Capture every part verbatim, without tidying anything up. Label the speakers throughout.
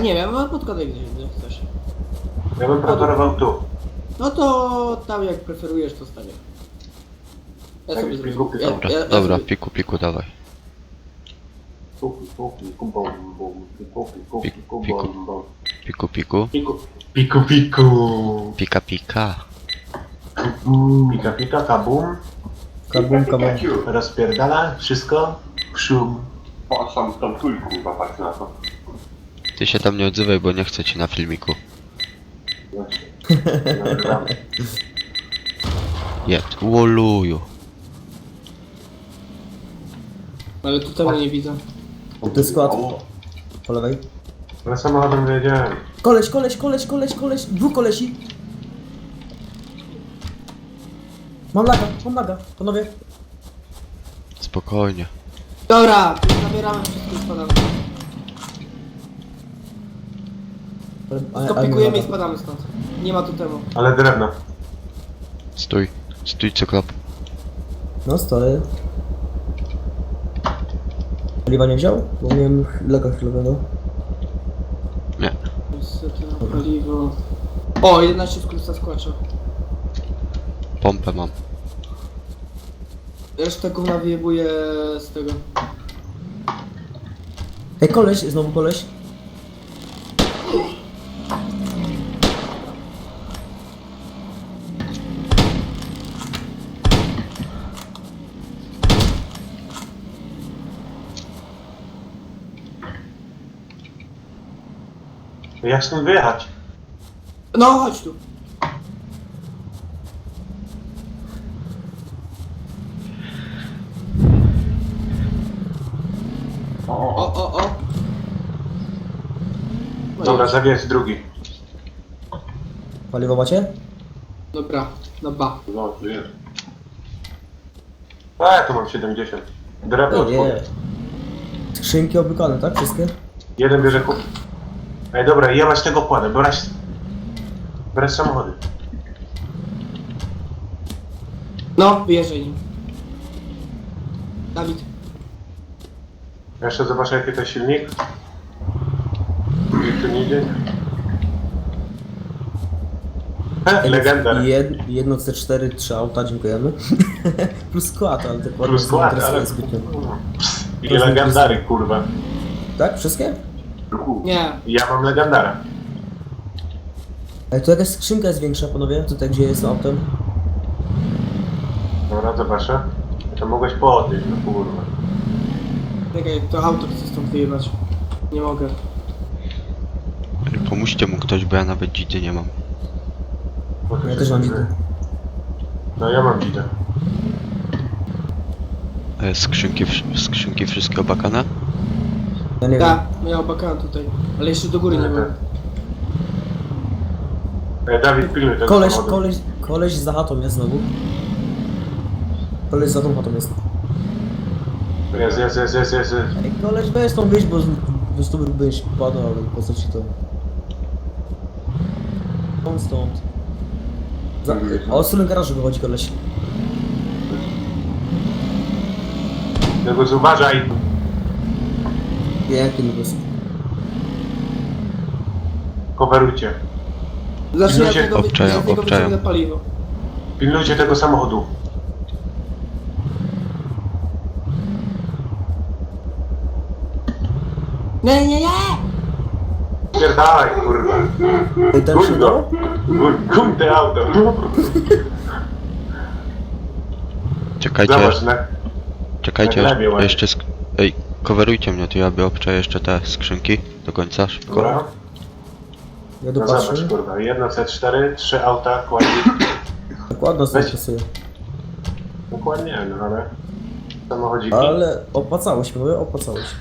Speaker 1: nie wiem, no podkładaj gdzieś, gdzie chcesz.
Speaker 2: Ja bym preferował tu.
Speaker 1: No to tam jak preferujesz, to stawię. Ja
Speaker 2: Tak,
Speaker 1: sobie
Speaker 2: piku,
Speaker 1: zrobię.
Speaker 2: piku.
Speaker 1: Ja,
Speaker 3: Dobra,
Speaker 1: ja, ja
Speaker 3: dobra,
Speaker 1: sobie...
Speaker 3: piku, piku, dawaj.
Speaker 2: Piku, piku, piku, bom, bom, piku, piku,
Speaker 3: Piku,
Speaker 2: piku,
Speaker 3: piku.
Speaker 2: bom, bom.
Speaker 3: Piku, piku.
Speaker 2: Piku, piku, piku.
Speaker 3: Pika, pika.
Speaker 2: Pika, pika, kabum.
Speaker 4: Kabum, kabum.
Speaker 2: Rozpierdala wszystko. Szum.
Speaker 5: Patrz tam, tam tuj, kurwa, patrz na to.
Speaker 3: Ty się tam nie odzywaj, bo nie chcę ci na filmiku.
Speaker 2: Właśnie. Nagrywamy.
Speaker 3: Jed, łoluju.
Speaker 1: Ale tu tego nie widzę.
Speaker 4: To jest skład. Po lewej.
Speaker 2: Ale samochodem wyjedziemy.
Speaker 4: Koleś, koleś, koleś, koleś, koleś. Dwóch kolesi. Mam laga, mam laga, panowie.
Speaker 3: Spokojnie.
Speaker 1: Dobra, zabieramy wszystko i spadamy.
Speaker 4: Ale-
Speaker 1: To
Speaker 4: ale
Speaker 1: pikujemy
Speaker 4: nie
Speaker 1: i
Speaker 4: ma-
Speaker 1: spadamy stąd. Nie ma tu temu.
Speaker 2: Ale drewno.
Speaker 3: Stój. Stój, cyklop.
Speaker 4: No stoję. Paliwa nie wziął? Bo miałem laga chwilowego.
Speaker 3: Nie.
Speaker 1: Niestety na paliwo. O, jedenaście skórca skłacza.
Speaker 3: Pompę mam.
Speaker 1: Resztę gówna wyjebuje z tego.
Speaker 4: Ej, koleś, znowu koleś.
Speaker 2: Jak stąd wyjechać?
Speaker 1: No, chodź tu.
Speaker 5: O,
Speaker 1: O, o, o. No
Speaker 2: Dobra,
Speaker 1: jedź.
Speaker 2: zawiesz drugi.
Speaker 4: Paliwo macie?
Speaker 1: Dobra, na ba.
Speaker 5: no, tu jest.
Speaker 2: A, ja tu mam siedemdziesiąt. Drewno
Speaker 4: No
Speaker 2: od
Speaker 4: nie.
Speaker 2: góry.
Speaker 4: Skrzynki obykane, tak? Wszystkie?
Speaker 2: Jeden bierze kup. Ej, dobra, jebać tego kładę, brać... Brać samochody.
Speaker 1: No, wyjeżdżaj nim. Dawid.
Speaker 2: Jeszcze zobaczę jaki to silnik. Nikt tu nie idzie. He, legenda.
Speaker 4: Jed, jedno C cztery, trzy auta, dziękujemy. Plus skład, ale te kłady
Speaker 2: Plus
Speaker 4: nie
Speaker 2: skład,
Speaker 4: interesują
Speaker 2: ale...
Speaker 4: zbytnio.
Speaker 2: I legendary, kurwa.
Speaker 4: Tak? Wszystkie?
Speaker 1: Nie.
Speaker 2: Ja mam legendara.
Speaker 4: Ej, tu jakaś skrzynka jest większa, panowie? Tutaj, gdzie jest autem?
Speaker 2: Dobra, zobaczę. To mogłeś podnieść, no kurwa.
Speaker 1: Czekaj, to auto chcę stąd wyjebać. Nie mogę.
Speaker 3: Pomóżcie mu ktoś, bo ja nawet dzidy nie mam.
Speaker 2: Bo to
Speaker 4: Ja
Speaker 2: się
Speaker 4: też mam
Speaker 2: zgadza.
Speaker 4: widzę.
Speaker 2: No ja mam widzę.
Speaker 3: E, skrzynki, wsz- skrzynki wszystkie obakane?
Speaker 4: Ja nie
Speaker 1: Tak, miał bakana tutaj. Ale jeszcze do góry nie
Speaker 2: Tak.
Speaker 1: ma.
Speaker 2: Ej, Dawid, pilnuj
Speaker 4: wiem.
Speaker 2: tego
Speaker 4: Koleś,
Speaker 2: samochodu.
Speaker 4: koleś, koleś za chatą jest znowu. Koleś za tą chatą jest.
Speaker 2: Jest, jest, jest, jest, jest. jest.
Speaker 4: Ej, koleś, weź tą wyjść, bo z- bo z tobą byś padał, ale po co ci to? On stąd. Za, o, od strony garażu wychodzi koleś.
Speaker 2: Tego uważaj.
Speaker 4: Jaki lubus.
Speaker 2: Coverujcie.
Speaker 1: Zacznij
Speaker 2: Ludzie
Speaker 1: od tego, wy-
Speaker 3: obczają,
Speaker 1: ja z niego
Speaker 3: obczają.
Speaker 1: wyciągnę paliwo.
Speaker 2: Pilnujcie tego samochodu.
Speaker 1: Nie, nie, nie!
Speaker 2: Pierdalaj, kurwa.
Speaker 4: Ej, tam się
Speaker 2: Kuń
Speaker 4: dało?
Speaker 2: go. Kuń- Kuń te auto.
Speaker 3: Czekajcie,
Speaker 2: Zobacz, na...
Speaker 3: czekajcie,
Speaker 2: na
Speaker 3: jeszcze,
Speaker 2: glebie ładnie.
Speaker 3: jeszcze sk- Ej, coverujcie mnie, to ja by obczaję jeszcze te skrzynki do końca, szybko.
Speaker 2: Dobra.
Speaker 4: Ja tu
Speaker 2: No zobacz,
Speaker 4: patrzę.
Speaker 2: kurwa. Jedno C cztery, trzy auta, kładnie.
Speaker 4: Dokładno sobie
Speaker 2: Weź.
Speaker 4: pasuje.
Speaker 2: Dokładnie, no ale... Samochodziki.
Speaker 4: Ale opłacało się, mówię, opłacało się.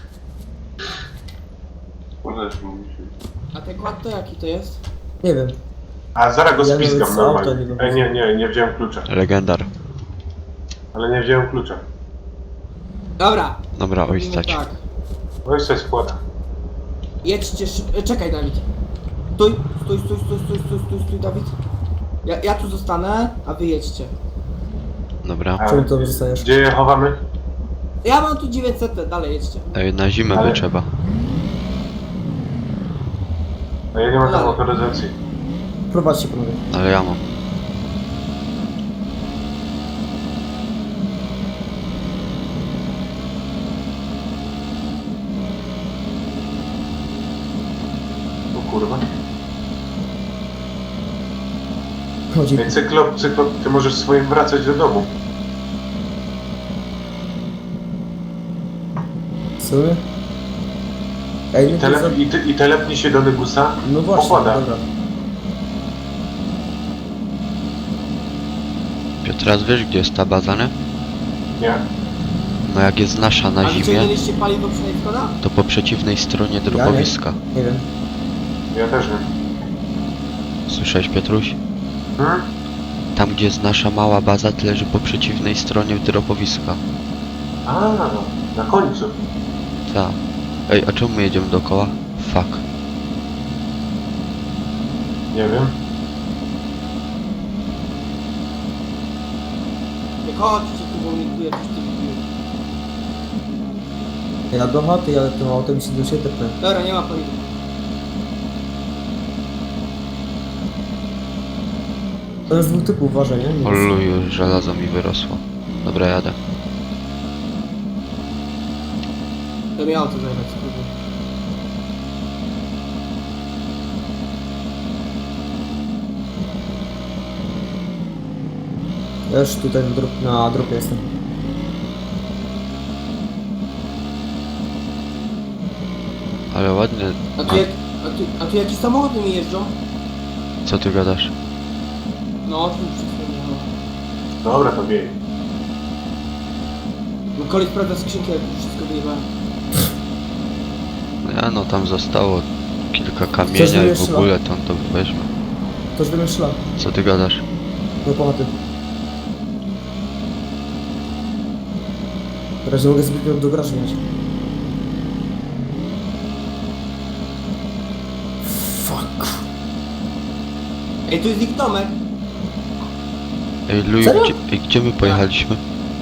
Speaker 5: Możesz mówić.
Speaker 1: A ten kład to jaki to jest?
Speaker 4: Nie wiem.
Speaker 2: A zaraz go
Speaker 4: Ja nawet
Speaker 2: spiskam
Speaker 4: z auta nie
Speaker 2: normalnie.
Speaker 4: wiem.
Speaker 2: Ej, nie, nie, nie wziąłem klucza.
Speaker 3: Legendar.
Speaker 2: Ale nie wziąłem klucza.
Speaker 1: Dobra.
Speaker 3: Dobra, oj,
Speaker 1: robimy
Speaker 3: stać.
Speaker 1: Tak.
Speaker 2: No i coś składa.
Speaker 1: Jedźcie szybko. E, czekaj, Dawid. Stój, stój, stój, stój, stój, stój, stój, stój, Dawid. Ja, ja tu zostanę, a wy jedźcie.
Speaker 3: Dobra.
Speaker 2: A,
Speaker 4: Czemu to zostajesz?
Speaker 2: Gdzie je chowamy?
Speaker 1: Ja mam tu dziewięćset, dalej jedźcie.
Speaker 3: Ej, na zimę
Speaker 2: Ale-
Speaker 3: by trzeba.
Speaker 2: A ja nie mam tam
Speaker 1: Dalej.
Speaker 2: autoryzacji.
Speaker 4: Prowadźcie panowie.
Speaker 3: Ale ja mam.
Speaker 2: O kurwa.
Speaker 4: Chodzi.
Speaker 2: Ej, cyklop, cyklop, ty możesz swoim wracać do domu.
Speaker 4: W sumie? Ej,
Speaker 2: I,
Speaker 4: no to
Speaker 2: tele,
Speaker 4: za...
Speaker 2: i, ty, i telepnij się do Negusa.
Speaker 4: No właśnie,
Speaker 2: Pokłada.
Speaker 4: dobra.
Speaker 3: Piotras, wiesz gdzie jest ta baza, nie?
Speaker 2: Nie.
Speaker 3: No jak jest nasza
Speaker 1: A
Speaker 3: na zimie,
Speaker 1: wyciągnęliście paliwo przynajmniej Skoda?
Speaker 3: to po przeciwnej stronie drobowiska.
Speaker 4: Nie wiem.
Speaker 2: Ja też nie.
Speaker 3: Słyszałeś, Piotruś?
Speaker 2: Hmm?
Speaker 3: Tam gdzie jest nasza mała baza, to leży po przeciwnej stronie drobowiska.
Speaker 2: A, na końcu.
Speaker 3: Tak. Ej, a czemu my jedziemy dookoła? Fuck.
Speaker 2: Nie wiem.
Speaker 1: Nie chodźcie tu, bo mnie tu jakiś typ bił.
Speaker 4: Ja do chaty jadę tym autem i się do siebie tepnę.
Speaker 1: Dobra, nie ma paliwa.
Speaker 4: To jest dwóch typów, uważaj, nie?
Speaker 3: Oluju, żelazo mi wyrosło. Dobra, jadę.
Speaker 1: To miało to zajmować spróbuj.
Speaker 4: Ja już tutaj na, drop, na dropie jestem.
Speaker 3: Ale ładnie.
Speaker 1: A tu, jak, a tu, a tu jakieś samochody mi jeżdżą?
Speaker 3: Co ty gadasz?
Speaker 1: No, tu przed chwilą jechałem.
Speaker 2: Dobra, to biej.
Speaker 1: No koleś sprawdza skrzynkę, jak już wszystko wyjebałem.
Speaker 3: Ja no tam zostało kilka
Speaker 4: Coś
Speaker 3: kamienia i w
Speaker 4: wymyśla.
Speaker 3: ogóle to on to weźmie.
Speaker 4: Ktoś wymyśla.
Speaker 3: Co ty gadasz?
Speaker 4: Do pochaty. Teraz nie mogę zbytnio do garażu mieć. Fuck.
Speaker 1: Ej, tu jest ich domek.
Speaker 3: Ej, Luju,
Speaker 4: Serio?
Speaker 3: gdzie, ej, gdzie my pojechaliśmy?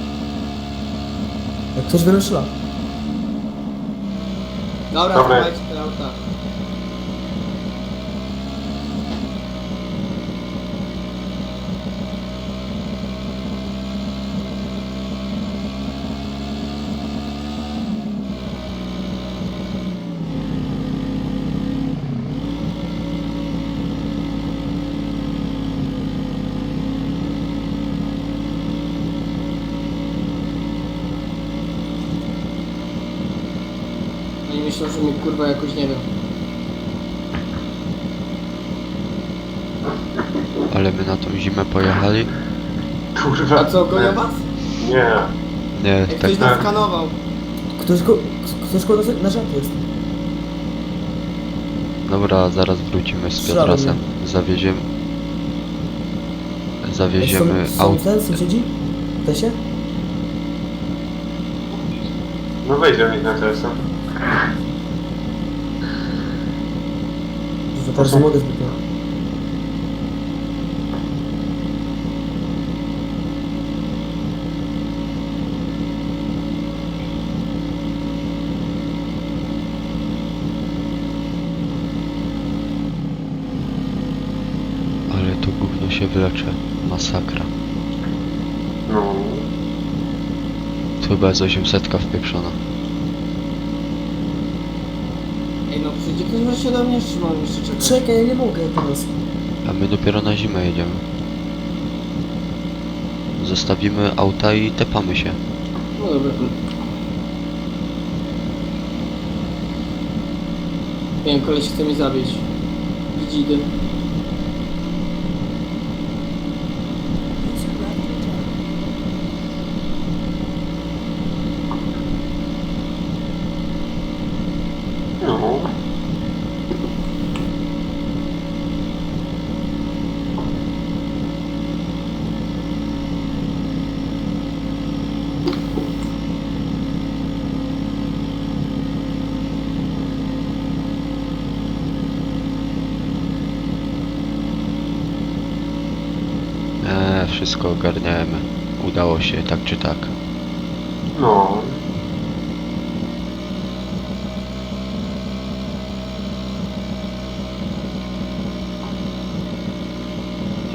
Speaker 4: Jak ktoś wymyśla.
Speaker 1: Dobra,
Speaker 2: Dobra.
Speaker 1: słuchajcie te auta. Oni myślą, że mnie kurwa jakoś nie wiem.
Speaker 3: Ale my na tą zimę pojechali?
Speaker 2: Kurwa.
Speaker 1: A co, gonią was?
Speaker 2: Nie.
Speaker 3: Nie,
Speaker 1: Jak
Speaker 3: tak.
Speaker 1: ktoś nas skanował.
Speaker 4: Ktoś go... Ktoś go na, na żarty jest.
Speaker 3: Dobra, zaraz wrócimy z
Speaker 4: Strzelamy.
Speaker 3: Piotrasem. Zawieziemy... Zawieziemy
Speaker 4: Są, są
Speaker 3: auto.
Speaker 4: ten sąsiedzi? Te się?
Speaker 2: No wejdzie mi na telefon.
Speaker 4: Że teraz nie mogę zbytnio.
Speaker 3: Ale to gówno się wylecze. Masakra.
Speaker 2: No.
Speaker 3: To chyba jest osiemsetka wpieprzona.
Speaker 1: Ej, no przyjdzie ktoś wreszcie do mnie, czy mam jeszcze czekać?
Speaker 4: Czekaj, ja nie mogę teraz.
Speaker 3: A my dopiero na zimę jedziemy. Zostawimy auta i tepamy się.
Speaker 1: No dobra. Nie wiem, koleś chce mnie zabić. Widzidy.
Speaker 2: No.
Speaker 3: Eee, wszystko ogarniamy. Udało się, tak czy tak.
Speaker 2: No.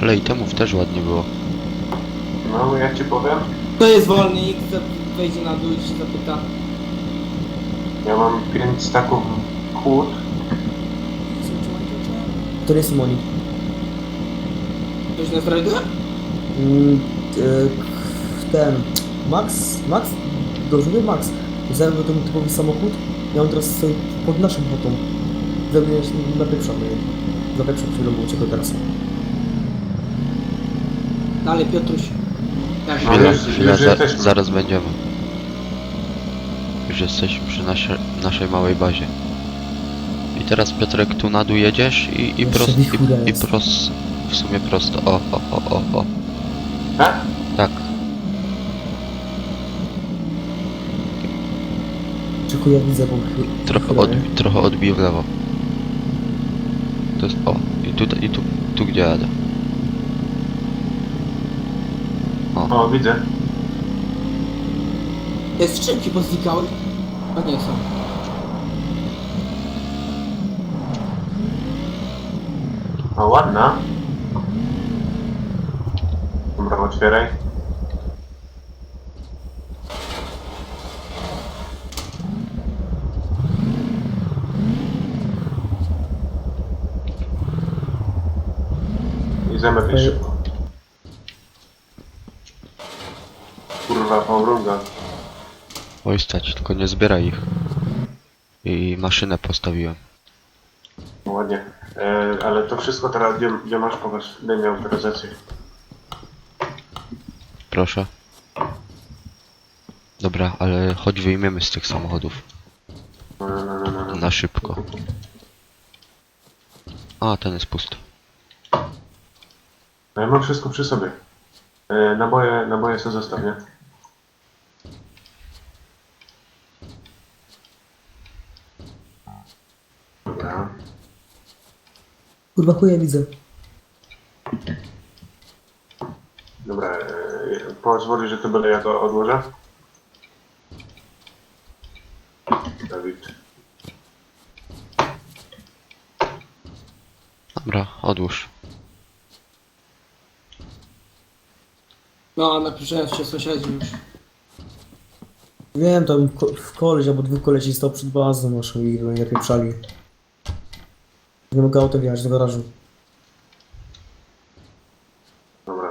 Speaker 3: Ale itemów też ładnie było.
Speaker 2: No, ja ci powiem,
Speaker 1: To jest wolny, X wejdzie na dół i się zapyta.
Speaker 2: ja mam pięć staków kłód.
Speaker 4: To nie jest Moni.
Speaker 1: Ktoś nas rajduje?
Speaker 4: Mm, e, ten... Max? Max? Dobrze mówię, Max. Zajmę ten typowy samochód i on teraz stoi pod naszą botą. Zrobię na pierwszą, nie? Na pierwszą chwilę uciekł teraz.
Speaker 1: Dalej, Piotruś. Jak
Speaker 2: No,
Speaker 3: Chwila,
Speaker 2: już-
Speaker 3: chwila,
Speaker 2: już
Speaker 3: za,
Speaker 2: jesteśmy.
Speaker 3: zaraz będziemy. Już jesteśmy przy nasie, naszej małej bazie. I teraz Piotrek tu na dół jedziesz i, i,
Speaker 4: Jeszcze
Speaker 3: prost,
Speaker 4: wichura
Speaker 3: i, i
Speaker 4: jest.
Speaker 3: prost, w sumie prosto. O, o, o, o, o.
Speaker 2: Tak?
Speaker 3: Tak.
Speaker 4: Czy ja widzę, bo... chy-
Speaker 3: Trochę,
Speaker 4: chwilę,
Speaker 3: od,
Speaker 4: nie?
Speaker 3: trochę odbiję w lewo. To jest, o, i tu, i tu, tu gdzie jadę.
Speaker 2: O, widzę.
Speaker 1: Te skrzynki poznikały? A nie są.
Speaker 2: O, ładna. Dobra, otwieraj. I zamykaj
Speaker 4: Ej.
Speaker 2: szybko. Kurwa, pomruga.
Speaker 3: Oj stać, tylko nie zbieraj ich. I maszynę postawiłem.
Speaker 2: Ładnie. E, ale to wszystko teraz, gdzie, gdzie masz, pokaż, gdzie miał autoryzację.
Speaker 3: Proszę. Dobra, ale chodź wyjmiemy z tych samochodów.
Speaker 2: No, no, no, no, no.
Speaker 3: Na szybko. A, ten jest pusty.
Speaker 2: No, ja mam wszystko przy sobie. E, naboje, naboje sobie zostaw, nie? Dobra.
Speaker 4: Kurwa, chuja widzę.
Speaker 2: Dobra, e, pozwoli, że to będę ja to odłożę. Dawid.
Speaker 3: Dobra, odłóż.
Speaker 1: No, napiszałem się sąsiedzi już.
Speaker 4: Wiem, tam ko w koleś albo dwóch kolesi stał przed bazą naszą i nie pieprzali. Nie mogę auto wjechać do garażu.
Speaker 2: Dobra.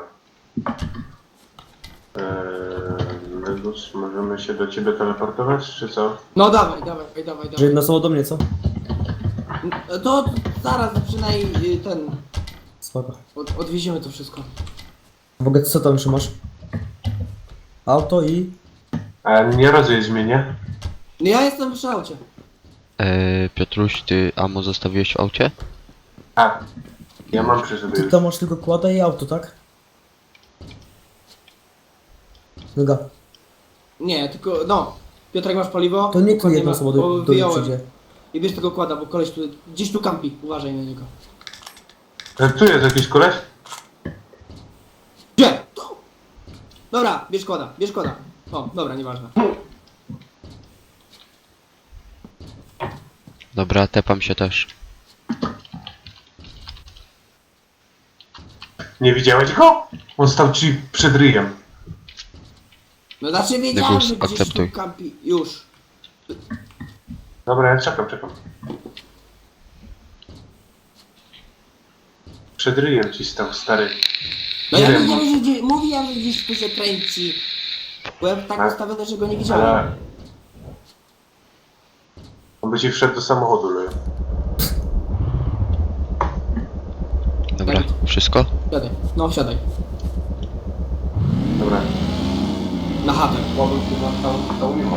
Speaker 2: Eee, Medus, możemy się do ciebie teleportować, czy co?
Speaker 1: No dawaj, dawaj, dawaj,
Speaker 4: Że
Speaker 1: dawaj.
Speaker 4: jedno słowo do mnie, co?
Speaker 1: To zaraz przynajmniej ten...
Speaker 4: Spoko.
Speaker 1: Od, odwieziemy to wszystko.
Speaker 4: W ogóle co tam trzymasz? Auto i...
Speaker 2: A nie rozjedź mnie, nie?
Speaker 1: No ja jestem przy aucie.
Speaker 3: Eee, Piotruś, ty ammo zostawiłeś w aucie?
Speaker 2: A, ja mam przy sobie
Speaker 4: Ty
Speaker 2: już.
Speaker 4: tam masz tylko kłada i auto, tak? Noga.
Speaker 1: Nie, tylko, no. Piotrek, masz paliwo?
Speaker 4: To nie tu
Speaker 1: Dokładnie
Speaker 4: jedno
Speaker 1: ma-
Speaker 4: słowo
Speaker 1: bo
Speaker 4: do, do
Speaker 1: wyjąłem.
Speaker 4: przyjdzie.
Speaker 1: I bierz tego kłada, bo koleś tu, gdzieś tu kampi. Uważaj na niego.
Speaker 2: E, tu jest jakiś koleś?
Speaker 1: Gdzie? Tu! Dobra, bierz kłada, bierz kłada. O, dobra, nieważne.
Speaker 3: Dobra, tepam się też.
Speaker 2: Nie widziałeś go? On stał ci przed ryjem.
Speaker 1: No znaczy wiedziałem,
Speaker 3: Negus,
Speaker 1: że gdzieś
Speaker 3: akceptuj.
Speaker 1: tu kampi. Już.
Speaker 2: Dobra, ja czekam, czekam. Przed ryjem ci stał, stary.
Speaker 1: No
Speaker 2: Nie
Speaker 1: ja
Speaker 2: wiem.
Speaker 1: wiedziałem, że gdzieś, mówiłem, że gdzieś tu się kręci. Byłem tak
Speaker 2: A-
Speaker 1: ustawiony, że go nie widziałem.
Speaker 2: Ale... On by ci wszedł do samochodu, no.
Speaker 3: Dobra, wszystko?
Speaker 1: Siadaj, no siadaj.
Speaker 2: Dobra.
Speaker 1: Na chatę.
Speaker 5: Słabym chyba stał, stał nie ma.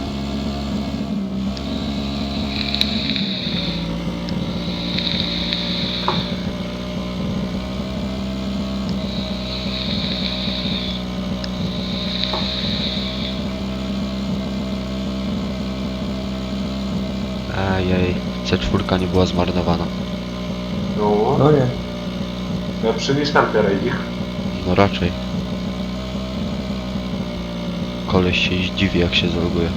Speaker 3: Ejej, C cztery nie była zmarnowana.
Speaker 2: No,
Speaker 4: No nie.
Speaker 2: ja przynieś tam teraz ich.
Speaker 3: No raczej. Koleś się zdziwi jak się zaloguje.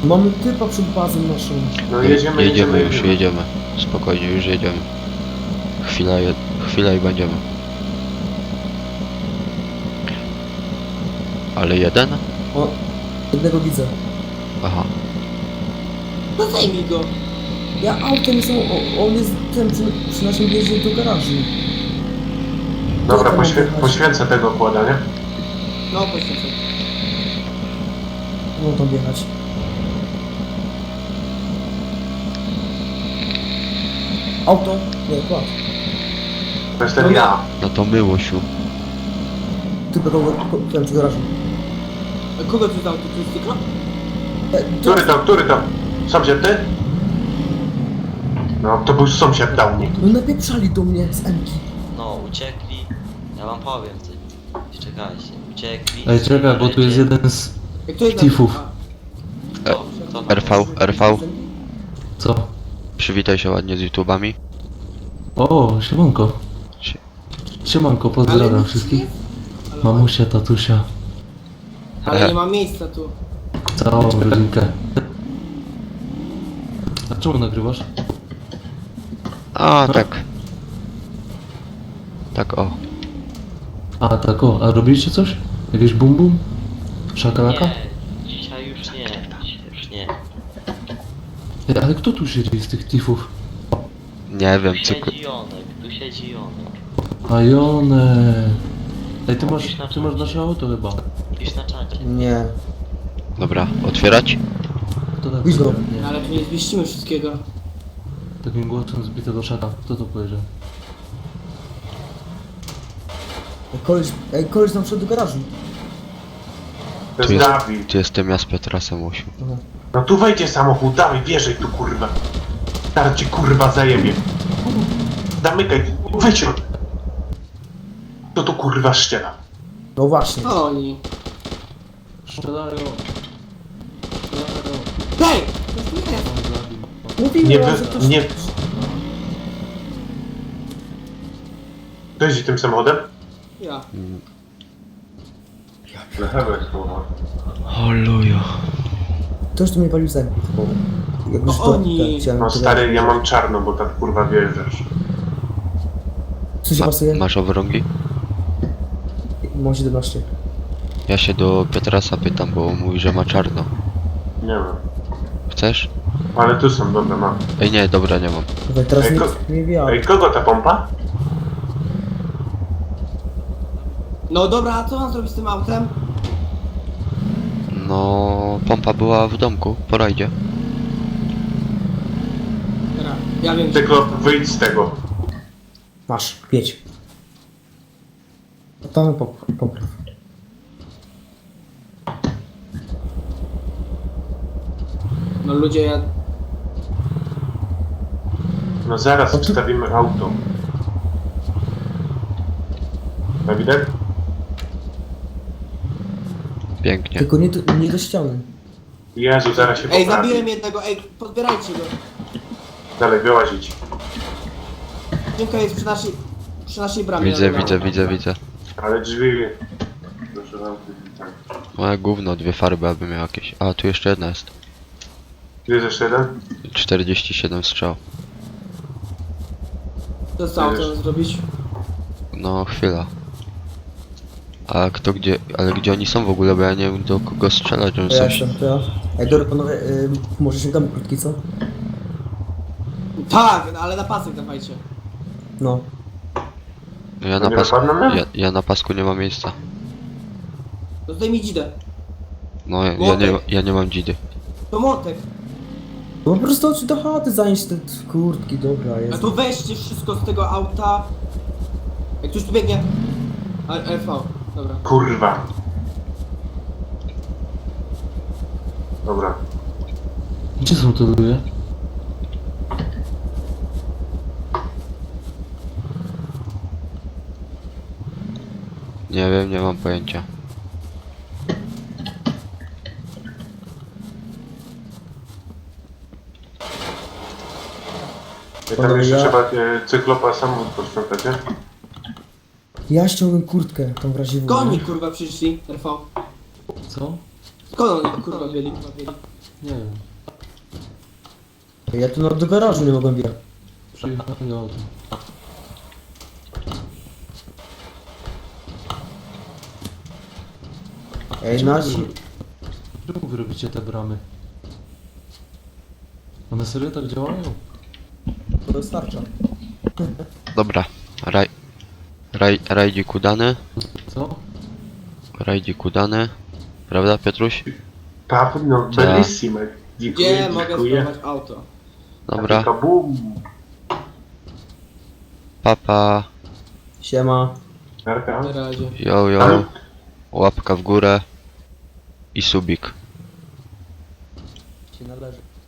Speaker 4: Mamy typa przed bazą naszą.
Speaker 2: No jedziemy,
Speaker 3: Jedziemy
Speaker 2: jedziemy,
Speaker 3: już, jedziemy. Spokojnie, już jedziemy. Chwila, je... Chwila i będziemy. Ale jeden?
Speaker 4: O, jednego widzę.
Speaker 3: Aha.
Speaker 1: No zajmij go.
Speaker 4: Ja autem jestem, o- on jest ten przy, przy naszym wjeździe do garażu.
Speaker 2: Dobra,
Speaker 4: Autem
Speaker 2: poświę
Speaker 4: odjechać.
Speaker 2: poświęcę tego kłada, nie?
Speaker 1: No poświęcę.
Speaker 4: No tam wjechać. Auto? Nie, kład.
Speaker 2: To jestem
Speaker 1: No
Speaker 2: ja.
Speaker 3: No to my, Łosiu.
Speaker 4: Tylko do, ten przy garażu.
Speaker 1: A kogo tu dał? To jest cyklo?
Speaker 4: E,
Speaker 2: Który to, który to? Sąsiad ty? No, to był sąsiad dał mi.
Speaker 4: No napieprzali do mnie z Emki.
Speaker 6: No, uciekli. Ja wam powiem ty. Czekajcie, uciekli.
Speaker 7: Ej, czekaj, bo tu jest jeden z...
Speaker 1: Jak to jest
Speaker 7: Tifów.
Speaker 1: A,
Speaker 6: Kto? Kto tam?
Speaker 3: R V, R V.
Speaker 7: Co?
Speaker 3: Przywitaj się ładnie z YouTubami.
Speaker 7: O, siemanko.
Speaker 3: Sie-
Speaker 7: Siemanko,
Speaker 1: Ale
Speaker 7: pozdrawiam
Speaker 1: nic
Speaker 7: wszystkich.
Speaker 1: nie- Ale-
Speaker 7: Mamusia, tatusia,
Speaker 1: Ale nie ma miejsca tu.
Speaker 7: całą rodzinkę. A czemu nagrywasz?
Speaker 3: A, tak. Tak, o.
Speaker 7: A, tak o, a robiliście coś? Jakieś bum bum? Szakalaka?
Speaker 6: Nie, dzisiaj już nie. Dzisiaj już nie.
Speaker 7: Ej, ale kto tu siedzi z tych tifów?
Speaker 3: Nie wiem,
Speaker 6: Tu
Speaker 3: cykl...
Speaker 6: siedzi Jonek, tu siedzi Jonek.
Speaker 7: A Jone. Ej, ty masz, ty masz nasze auto chyba.
Speaker 6: Pisz na czacie.
Speaker 4: Nie.
Speaker 3: Dobra, otwierać?
Speaker 7: Kto tak
Speaker 4: Widzę.
Speaker 7: powiedział?
Speaker 1: No,
Speaker 7: Nie.
Speaker 1: ale tu nie zmieścimy wszystkiego.
Speaker 7: Takim głosem zbitego szata. Kto to powiedział?
Speaker 4: Ej, koleś, ej, koleś tam wszedł do garażu.
Speaker 2: To
Speaker 3: Tu
Speaker 2: jest
Speaker 3: jest,
Speaker 2: Dawid.
Speaker 3: tu jestem ja z Petrasem, Łosiu.
Speaker 4: Aha.
Speaker 2: No tu wejdzie samochód, dawaj, wjeżdżaj tu, kurwa. Teraz ci, kurwa, zajebie. Zamykaj, wyjdź. To tu, kurwa, ściela.
Speaker 4: No właśnie.
Speaker 1: O, oni.
Speaker 7: Strzelają. Strzelają.
Speaker 1: Hej! To tu jest.
Speaker 7: On zabił.
Speaker 4: Mówiłem,
Speaker 2: Nie
Speaker 4: że
Speaker 2: wy-
Speaker 4: ktoś...
Speaker 2: nie- Kto jeździ tym samochodem?
Speaker 1: Ja.
Speaker 3: Halleluja.
Speaker 4: Ktoś tu mnie palił z Emki. bo Jakbyś
Speaker 1: No
Speaker 4: to...
Speaker 1: oni.
Speaker 4: tak, chciałem
Speaker 2: No
Speaker 4: to-
Speaker 2: stary, ja mam czarno, bo tak, kurwa, wjeżdżasz.
Speaker 4: Co się
Speaker 3: Ma,
Speaker 4: pasuje?
Speaker 3: masz owrągi?
Speaker 4: Mam siedemnaście.
Speaker 3: Ja się do Petrasa pytam, bo mówi, że ma czarno.
Speaker 2: Nie wiem.
Speaker 3: Chcesz?
Speaker 2: Ale tu są, dobra, mam.
Speaker 3: Ej, nie, dobra, nie mam.
Speaker 4: Dobra, teraz
Speaker 2: Ej,
Speaker 4: nikt
Speaker 2: ko-
Speaker 4: nie wie, ale...
Speaker 2: Ej, kogo ta pompa?
Speaker 1: No dobra, a co mam zrobić z tym autem?
Speaker 3: No, pompa była w domku, po rajdzie.
Speaker 1: Dobra, ja wiem.
Speaker 2: Tylko wyjdź z tego.
Speaker 4: Masz, pięć. No tam pop- popraw.
Speaker 1: No ludzie, ja...
Speaker 2: No zaraz
Speaker 4: O, ty-
Speaker 2: wstawimy auto. Dawidek?
Speaker 3: Pięknie.
Speaker 4: Tylko nie do, nie do ściany.
Speaker 2: Jezu, zaraz się
Speaker 1: Ej,
Speaker 2: poprawi.
Speaker 1: zabiłem jednego, ej, podbierajcie go.
Speaker 2: Dalej, wyłazić.
Speaker 1: Dzięka jest przy naszej... przy naszej bramie.
Speaker 3: Widzę,
Speaker 1: Dobra.
Speaker 3: widzę, widzę, widzę.
Speaker 2: Ale drzwi... Proszę bardzo.
Speaker 3: Moje gówno, dwie farby aby miał jakieś. A, tu jeszcze jedna jest.
Speaker 2: Tu jest jeszcze jeden?
Speaker 3: czterdzieści siedem strzał.
Speaker 1: Co z autem zrobić?
Speaker 3: No, chwila. A kto gdzie, ale gdzie oni są w ogóle, bo ja nie wiem do kogo strzelać, on
Speaker 4: To ja
Speaker 3: coś...
Speaker 4: jestem, to ja. Ej, dobra panowie, y, może sięgamy krótki, co?
Speaker 1: Tak, no, ale na pasek dawajcie.
Speaker 4: No.
Speaker 3: Ja
Speaker 2: To
Speaker 3: na
Speaker 2: nie
Speaker 3: pasku,
Speaker 2: dopadną mnie?
Speaker 3: ja, ja na pasku nie mam miejsca.
Speaker 1: To zdejmij dzidę.
Speaker 3: No, ja, ja, nie,
Speaker 1: Młotek.
Speaker 3: ja nie mam dzidy.
Speaker 1: To młotek.
Speaker 4: No po prostu chodź do chaty zanieść te kurtki, dobra
Speaker 1: A
Speaker 4: jest.
Speaker 1: to weźcie wszystko z tego auta. Jak ktoś tu biegnie. A, R V, dobra.
Speaker 2: Kurwa. Dobra.
Speaker 7: Gdzie są te ludzie?
Speaker 3: Nie wiem, nie mam pojęcia.
Speaker 2: I tam
Speaker 4: Panowie,
Speaker 2: jeszcze
Speaker 4: ja-
Speaker 2: trzeba e, cyklopa samochód posprzątać, nie?
Speaker 4: Ja ściągnę kurtkę, tą w razie w.
Speaker 1: Skąd oni kurwa przyszli, R V?
Speaker 7: Co?
Speaker 1: Skąd oni kurwa byli?
Speaker 7: Nie wiem.
Speaker 4: Ja tu no, do garażu nie mogłem wjechać.
Speaker 7: Przyjechali autem.
Speaker 4: Ej,
Speaker 7: Czemu
Speaker 4: nasi...
Speaker 7: wy- Czemu wy robicie te bramy? One serio tak działają?
Speaker 4: To wystarcza.
Speaker 3: Dobra, raj... Raj... Rajdzik udany.
Speaker 7: Co?
Speaker 3: Rajdzik udany. Prawda, Piotruś?
Speaker 2: Tak, no
Speaker 3: Tak.
Speaker 2: bellissime. Dziękuję,
Speaker 1: Gdzie mogę
Speaker 2: dziękuję.
Speaker 1: spróbować auto?
Speaker 3: Dobra,
Speaker 2: Kabum.
Speaker 3: papa,
Speaker 4: Siema.
Speaker 2: Narka.
Speaker 1: Na razie.
Speaker 3: yo yo, łapka w górę i subik.
Speaker 4: Się należy.